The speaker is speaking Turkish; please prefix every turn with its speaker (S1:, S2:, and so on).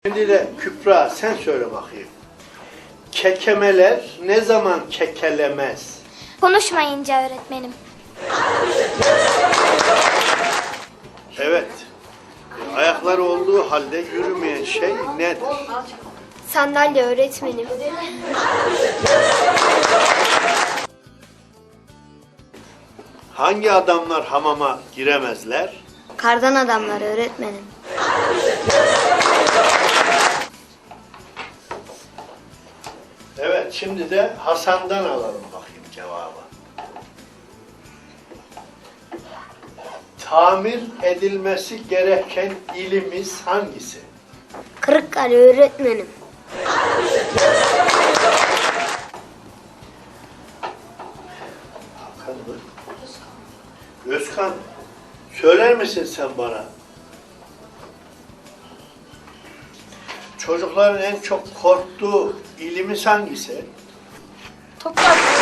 S1: Şimdi de Kübra sen söyle bakayım. Kekemeler ne zaman kekelemez?
S2: Konuşmayınca öğretmenim.
S1: Evet. Ayakları olduğu halde yürümeyen şey nedir?
S2: Sandalye öğretmenim.
S1: Hangi adamlar hamama giremezler?
S2: Kardan adamlar öğretmenim.
S1: Evet, şimdi de Hasan'dan alalım bakayım cevabı. Tamir edilmesi gereken ilimiz hangisi?
S2: Kırıkkale öğretmenim.
S1: Hakan mı? Özkan, söyler misin sen bana? Çocukların en çok korktuğu ilimiz hangisi?
S2: Toprak